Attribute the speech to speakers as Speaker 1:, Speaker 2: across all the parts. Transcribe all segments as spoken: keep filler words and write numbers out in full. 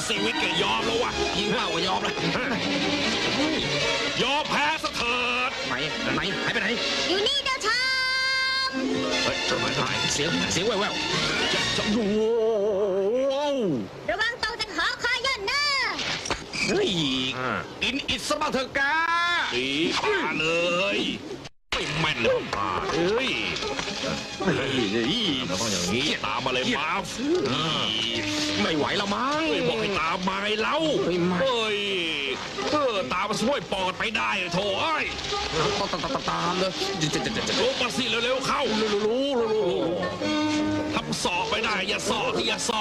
Speaker 1: ซีวิตแกยอมแล้ววะ
Speaker 2: ยิงเป้าก็ยอมแล้ว
Speaker 1: ยอมแพ้ซะเถิด
Speaker 2: ไหนไหนหายไปไหน
Speaker 3: อยู่นี่เจ้าชาย
Speaker 1: เฮ้ยทำไมได้
Speaker 2: เสียงเสียงแว่ว
Speaker 1: จะจะโอ้โห
Speaker 3: ระวังตกจากหอคอยย่นนะ
Speaker 2: ๆเฮ้ยอินอิดสบ้างเถอะกา
Speaker 1: ตีป่าเลยไม่แม่นเลยป่าเอ้ย
Speaker 2: เฮ้ย
Speaker 1: เราต้องอย่างนี้ตามมาเลยมาฟ
Speaker 2: ไม่ไหวแล้วมั้ง
Speaker 1: เฮ้ยบอกให้ตามมาไงเล่า
Speaker 2: เฮ้ยไม่
Speaker 1: เฮ้ยเออตามมาช่วยปอดไปได้โถเอ้ย
Speaker 2: ตามตามตามตามเลยจะจะจะจะ
Speaker 1: ลงมาสิเร็วๆเข้า
Speaker 2: รู้รู้รู้รู้
Speaker 1: ทำสอบไปได้อย่าสอบอย่าสอบ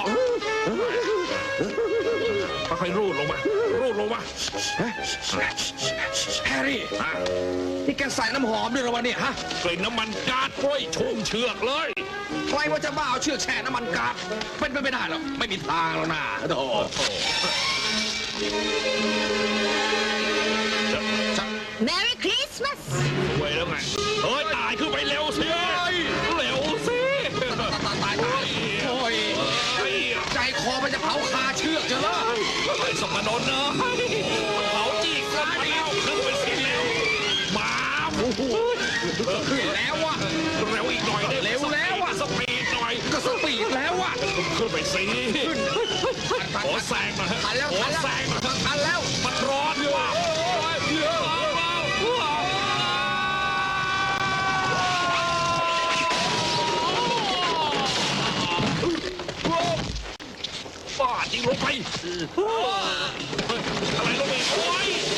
Speaker 1: ค่อยๆรูดลงมารูดลงมา
Speaker 2: แฮร์รี่
Speaker 1: ฮะ
Speaker 2: นี่แกใส่น้ำหอมด้วยเหรอวะเนี่ยฮะ
Speaker 1: กลิ่นน้ำมันก๊าซโอ้ยชุ่มเชือกเลย
Speaker 2: ใครว่าจะบ้าเอาเชือกแช่น้ำมันก๊าซเป็นไปไม่ได้หรอกไม่มีทางแล้วนะโธ่
Speaker 3: เมรี่คริสต์มาส
Speaker 1: ไว้แล้วไงเฮ้ยตายขึ้นไปเร็วสิเร็วสิ
Speaker 2: ตายตายตายโอ้ย
Speaker 1: เฮ้ย
Speaker 2: ใจคอมันจะเผาคาเชือกจะละ
Speaker 1: ไอ้สมนนเนอะเผาจีกกันมาแล้วขึ้นไปสิเร็วมาโอ้โห
Speaker 2: ขึ้นแล้ววะ
Speaker 1: เร็วอีกหน่อย
Speaker 2: เร็วแล้วอะ
Speaker 1: สปีดหน่อย
Speaker 2: ก็สปีดแล้ววะ
Speaker 1: ขึ้นไปสิ
Speaker 2: ทัน
Speaker 1: ขอแซงหน่อย
Speaker 2: ทันแล้ว
Speaker 1: ขอ
Speaker 2: ทันแล้ว
Speaker 1: แซงหน่อย
Speaker 2: ทันแล้ว
Speaker 1: มันร้อนว่ะบ้าจริงลงไปอะไรลงไปโอ้ย